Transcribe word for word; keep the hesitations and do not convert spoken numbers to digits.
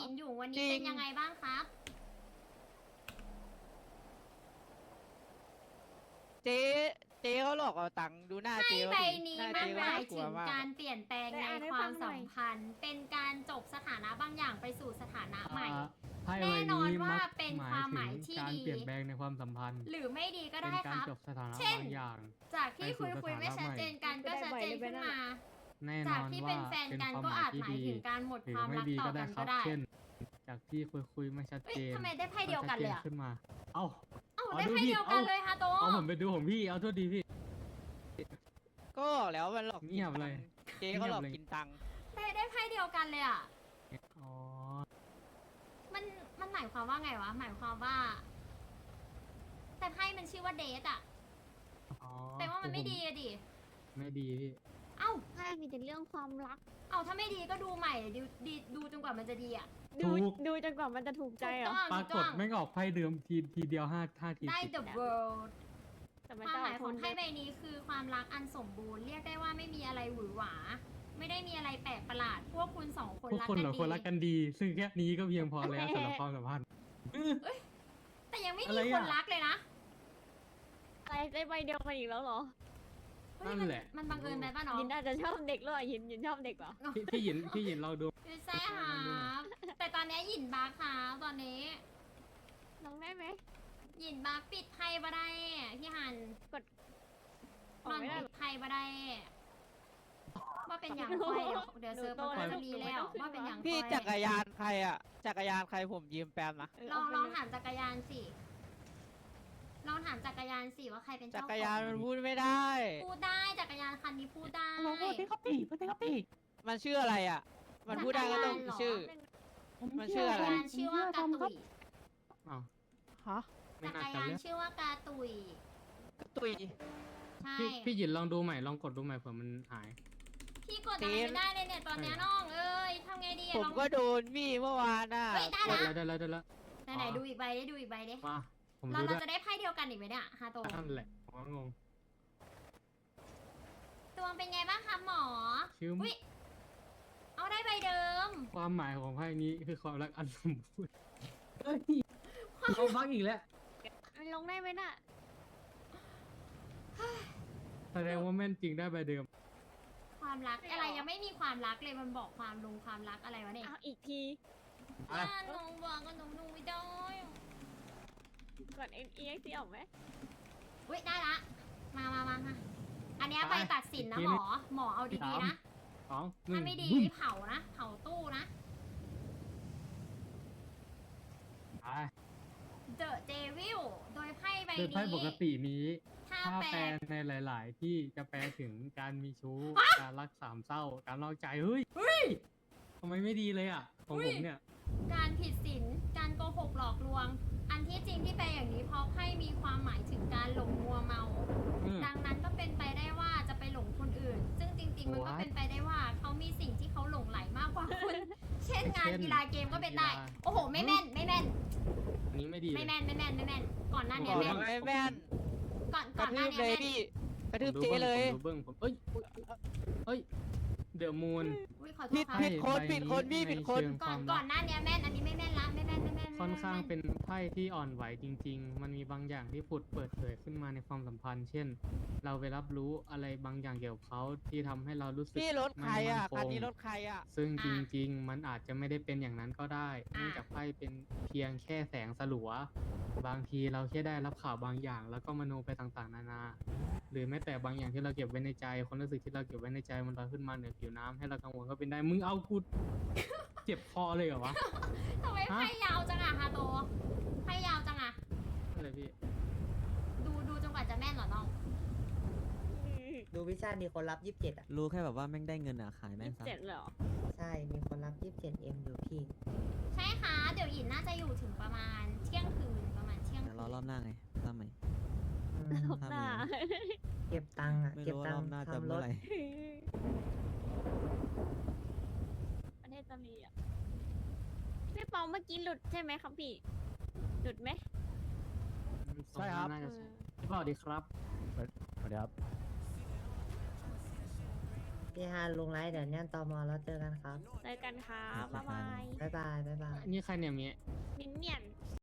หินอยู่วันจรินี้งเป็นยังไงบ้างครับเจ๊เจ๊เขาหลอกเอาตังค์ดูหน้าไพ่เจ๊เขาใบดินี้หน้ามัเจ๊นเขาหมาน่าย กลัถึวงมากการเปลี่ยนแปลงได้ในอ่านให้ควาฟัมงหน่สัอยมพันธ์ เป็นการจบสถานะบางอย่างไปสู่สถานะใหม่อ่าไพ่แน่ใบนอนนี้ว่ามักเป็นหมายความหถึมายงที่การดีเปลี่ยนแปลงในความสัมพันธ์หรือไม่ดีก็เป็ได้นคการรับจบสถานะเช่นบางอย่างจากที่ไปสู่คุยคุยสถานะไม่ชัดเจนกันใหม่ก็ชัดเจนขึ้นมาแน่นจากอนที่ว่าเป็นแฟนเป็นกันความก็หมายอาจที่หมายดีถึงการหมดหรืความไม่รักดีต่อก็ได้กันครัก็บได้เช่น จากที่คุยคุยไม่ชัดเอ้ยเจนทำไมได้ไพ่เดียวกันเลยอะชัดจขึ้นมา เอ้าเอ้าอ๋อได้ดูไพ่ผิดเดียวกันเอ้าเลยฮะโตเอาผมไปดูของพี่เอาโทษดีพี่ก็บอกแล้วมันหลอกเงียบเลยเจ๊เขาหลอกเงียบเลยกินตังค์ได้ได้ไพ่เดียวกันเลยอ่ะอ๋อมันมันหมายความว่าไงวะ หมายความว่า แต่ไพ่มันชื่อว่าเดทอ่ะอ๋อแต่ว่ามันไม่ดีอะดิไม่ดีพี่เอ้าใช่มีแต่เรื่องความรักเอ้าถ้าไม่ดีก็ดูใหม่ดูดีดูจนกว่ามันจะดีอ่ะดูดูจนกว่ามันจะถูกใจถูกเหรต้อองปราถูกกต้ฏองไม่งออกไพ่เดิมทีทีเดียวห้าห้าทีได้ติด the world แต่มันความจะหมายของคนไพ่ใบนี้คือความรักอันสมบูรณ์ เรียกได้ว่าไม่มีอะไรหวือหวา ไม่ได้มีอะไรแปลกประหลาด พวกคุณสองคนพวกรักคนกันเหรอดีคนรักกันดี ซึ่งแค่นี้ก็เพียงพอแล้วสำหรับความสัมพันธ์แต่ยังไม่อะมีไรคอะนรักเลยนะอะไรได้ใบเดียวกันอีกแล้วเหรอเฮ้ยนั่มันนแหละมันบังเอิญไปป่ะน้องยินอาจจะชอบเด็กหรือเปล่ายินยินชอบเด็กเหรอพี่พี่หยินพี่หยินเราดูไม่ใช่ครับแต่ตอนนี้หยินบาร์ครับตอนนี้น้องได้ไหมหยินบาร์ปิดไพ่บ่ได้พี่หันกดอนออก นไม่ได้ปิหรดอไพ่บ่ได้ว่าเป็นอย่างคอยเดี๋ยวเดี๋ยวเซิร์ฟมันก็จะมีแล้วว่าเป็นอย่างพี่คอยจักรยานใครอะจักรยานใครผมยืมแปมนะเออลองเาไปลองเยถามจักรยานสิลองถามจักรยานสิว่าใครเป็นจัเจ้าขกอรยานงมันพูดไม่ได้พูดได้จักรยานคันนี้พูดได้มันชื่ออะไรอะมันพูดได้ก็ต้องมีชื่อ มันชื่ออะไรจักรยานชื่อว่ากาตุยอ้าวฮะไม่จักน่าร จะยานเลือกชื่อว่ากาตุยกระตุยใช่พี่พี่หยินลองดูใหม่ลองกดดูใหม่เผื่อมันหายพี่กดอะไรไม่ได้เลยเนี่ยตอนเนี้ยน้องเอ้ยทำไงดีอะผมลองก็โดนพี่เมื่อวานน่ะเฮ้ยได้ได้ละแล้วได้แล้วได้แล้วไหนไหนดูอีกใบดิดูอีกใบดิมาผมเราดูเราด้วยจะได้ไพ่เดียวกันอีกไหมเนี่ยฮาโตนั่นแหละผมก็งงตัวเป็นไงบ้างคะหมอชื่ออุ้ยเอาได้ใบเดิมความหมายของไพ่นี้คือความรักอันสมบูรณ์เฮ้ยเอาบักอีกแล้วมันลงได้ไหมน่ะแสดงว่าแม่นจริงได้ใบเดิมความรักอะไรยังไม่มีความรักเลยมันบอกความลงความรักอะไรวะเนี่ยเอาอีกทีอ่ะอ่าหนูบอกก็หนูหนูไม่ได้กด เอ็กซ์ ออกไหมอุ้ยได้ละ มามามามาอันเนี้ยไปตัดสินนะหมอ หมอเอาดีๆนะสองหนึ่ถ้าง ไม่ดีบึ้มนี่เผานะ เผาตู้นะไป The Devil โดยไพ่ใบโดยนี้ไพ่ปกตินี้ถ้าถ้าแปลแปลในหลาย ๆ ที่จะแปลถึงการมีชู้ การรักสามเศร้า การนอกใจเฮ้ยเฮ้ยทำไมไม่ดีเลยอ่ะ ของผมเนี่ยการผิดศีล การโกหกหลอกลวง อันที่จริงที่แปลอย่างนี้เพราะไพ่มีความหมายถึงการหลงมัวเมาอืมดังนั้นก็เป็นไปได้ว่าจะไปหลงคนอื่น ซึ่งจริง ๆ มันก็ What? เป็นไปได้ว่าเขามีสิ่งที่เขาหลงไหลมากกว่าคุณ เช่นงานเช่นกีฬาเกมก็เป็นได้กีฬาโอ้โห ไม่แม่น ไม่แม่นอันนี้ไม่ดีเลยไม่แม่น ไม่แม่น ไม่แม่น ก่อนหน้าบเนี้อกแม่นไม่แม่นก่อนกก่ระอนหทืน้าบเนี้เลยแม่นพี่กระทืบผมดูเจ๊เลยผมดูเบิ้งผมเอ้ยเอ้ย เดอะมูนอุ้ยขอโทผิษดครับผิดคนผิดคนพี่ผิดคนก่อนก่อนหน้าเนี้ยแม่น อันนี้ไม่แม่นละ ไม่แม่น ไม่แม่นไม่แม่ค่อนข้างไม่แม่เป็นไพ่ที่อ่อนไหวจริง ๆ มันมีบางอย่างที่ผุดเปิดเผยขึ้นมาในความสัมพันธ์ เช่น เราไปรับรู้อะไรบางอย่างเกี่ยวกับเขาที่ทำให้เรารู้สึกพี่รถใครอ่ะไม่คันมั่นนี้ครง ถใครอ่ะซึ่งจริง ๆ มันอาจจะไม่ได้เป็นอย่างนั้นก็ได้ เนื่องจากไพ่เป็นเพียงแค่แสงสลัว บางทีเราแค่ได้รับข่าวบางอย่าง แล้วก็มโนไปต่างๆ นานา หรือแม้แต่บางอย่างที่เราเก็บไว้ในใจความรู้สึกที่เราเก็บไว้ในใจมันลอยขึ้นมาเหนือผิวน้ำให้เรากังวลก็เป็นได้ มึงเอากู เจ็บคอเลยเหรอวะทำไมไพ่ยาวจังอะฮาโตไพ่ยาวจังอะอะไรพี่ดูดูจนกว่าจะแม่นเหรอน้องดูวิชามีคนรับยี่สิบเจ็ดอ่ะรู้แค่แบบว่าแม่งได้เงินอ่ะ ขายแม่งซะเจ็ดเหรอใช่ มีคนรับยี่สิบเจ็ดเอ็มอยู่พี่ใช่ค่ะ เดี๋ยวหยินน่าจะอยู่ถึงประมาณเที่ยงคืนประมาณเที่ยงเดี๋ยวรอรอบหน้าไงทำไหมอืมรอบหน้าเก็บตังค์อ่ะไม่เก็บรู้ว่าตัรง อบค์หน้าจะทำรเมื่อถไหร่ประเทศจะมีอ่ะพี่ปองเมื่อกี้หลุดใช่ไหมครับพี่ หลุดไหมใช่ครับน่าจะใช่สวัสดีครับสวัสดีครับพี่ฮานลุงไลท์เดี๋ยวเนี่ยตอมอแล้วเจอกันครับเจอกันครับครับบ๊ายบายบ๊ายบายบ๊ายบายนี่ใครเนี่ยเมียมินเนี่ยน